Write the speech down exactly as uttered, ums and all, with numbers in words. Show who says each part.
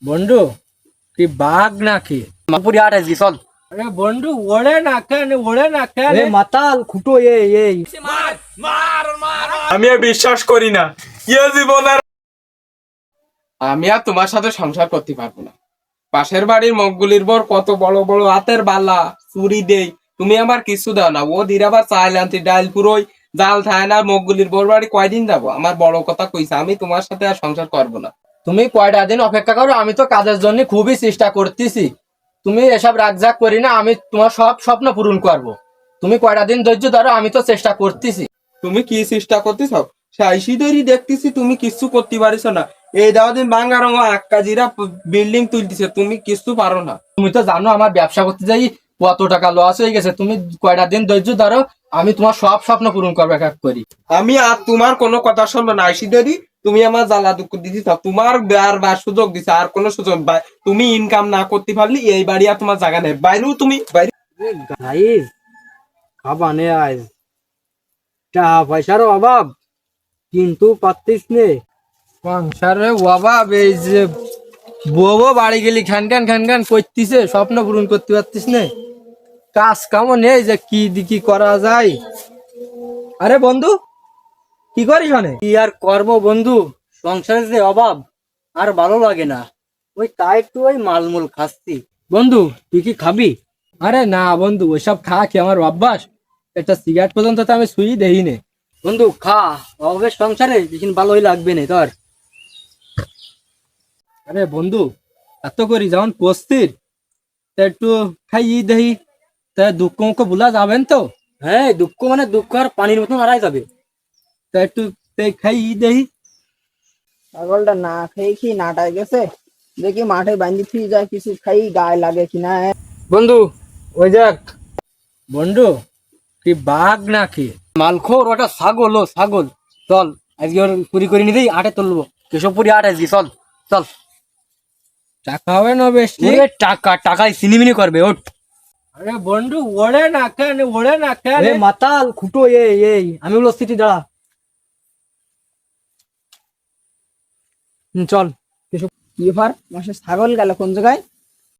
Speaker 1: বন্ধু তুই বাঘ নাকি?
Speaker 2: মাপুরি আট আজকে চল।
Speaker 1: আরে বন্ধু ওড়ে না কেন, ওড়ে না কেন?
Speaker 2: এ মাতাল খুটো এ এই
Speaker 3: আমি আর বিশ্বাস করি না ইয়ে জীবন আর আমি আর তোমার সাথে সংসার করতে পারবো না। পাশের বাড়ির মগগুলির বর কত বড় বড় হাতের বালা চুরি দেই, তুমি আমার কিছু দাও না। ও ধীরে আবার চাইল আনতে ডাইল পুরোই জাল থায় না। মগগুলির বর বাড়ি কয়দিন যাবো? আমার বড় কথা কইছে, আমি তোমার সাথে আর সংসার করবো না।
Speaker 2: তুমি কয়টা দিন অপেক্ষা করো, আমি তো কাজের জন্য খুবই চেষ্টা করতেছি। তুমি এসব রাগজাগ করি না, আমি তোমার সব স্বপ্ন পূরণ করব। তুমি কয়টা দিন ধৈর্য ধরো, আমি তো চেষ্টা করতেছি।
Speaker 3: তুমি কি চেষ্টা করতেছ? সাইসিদেরই দেখতেছি তুমি কিছু করতে পারিস না। এই দাও দিন বাঙ্গা রঙ আক্কাজিরা বিল্ডিং তুলতেছে, তুমি কিছু পারো না।
Speaker 2: তুমি তো জানো আমার ব্যবসা করতে যাই কত টাকা লস হয়ে গেছে। তুমি কয়টা দিন ধৈর্য ধরো, আমি তোমার সব স্বপ্ন পূরণ করবো এক এক করি।
Speaker 3: আমি আর তোমার কোনো কথা শুনবো না। আইসিদেরই তুমি আমার জ্বালা দুঃখ দিতেছ, তোমার আর বার সুযোগ দিছে, আর কোনো সুযোগ বা- তুমি ইনকাম না করতে পারলে এই বাড়ি আর তোমার জায়গা নেই। বাইরেও তুমি বাইরে
Speaker 2: গাইস খাবানে আজ টাকা পয়সার অভাব, কিন্তু পারতিস নে।
Speaker 1: সংসারে অভাব, এই যে বউ বাড়ি গেলি খান খান খান খান করতিছে, স্বপ্ন পূরণ করতে পারতিস না। কাজ কামও নেই যে কি দি কি করা যায়। আরে বন্ধু কি করিস মানে?
Speaker 2: কি আর কর্ম বন্ধু, সংসারের যে অভাব আর ভালো লাগে না। ওই তাই একটু ওই মালমূল খাচ্ছি। বন্ধু তুই কি খাবি?
Speaker 1: আরে না বন্ধু, ওইসব খা কি আমার অভ্যাস? একটা সিগারেট পর্যন্ত তো আমি সুই দেই নে।
Speaker 2: বন্ধু খা, অভাবের সংসারে যেদিন ভালোই লাগবে না তোর।
Speaker 1: আরে বন্ধু এত করি যখন পস্তির তা একটু খাই দেই, তা দুঃখ মুখ ভুলা যাবেন তো?
Speaker 2: হ্যাঁ, দুঃখ মানে দুঃখ আর পানির মতন হারাই যাবে।
Speaker 1: তা একটু তে খাই দেই।
Speaker 4: ছাগলটা না খেয়ে কি নাটায় গেছে, দেখি মাঠে বান্ধি থুই যায় কিছু খাই গায়ে লাগে কিনা।
Speaker 2: বন্ধু ওই দেখ,
Speaker 1: বন্ধু তুই বাঘ নাকি?
Speaker 2: মালখোর ওটা ছাগল, ও ছাগল। চল আজকে ওর পুরি করে নিতেই আটে তুলবো। কেশবপুরি আট আজকে চল চল।
Speaker 1: টাকা হবে না বেশি?
Speaker 2: ওরে টাকা টাকায় সিনিমিনি করবে ওঠ।
Speaker 1: আরে বন্ধু ওড়ে না কেন, ওড়ে না কেন?
Speaker 2: এ মাতাল খুটো এ এই আমি বলো সিটি দাঁড়া। হুম, চল।
Speaker 4: কি ব্যাপার মাসে ছাগল গেল কোন জায়গায়?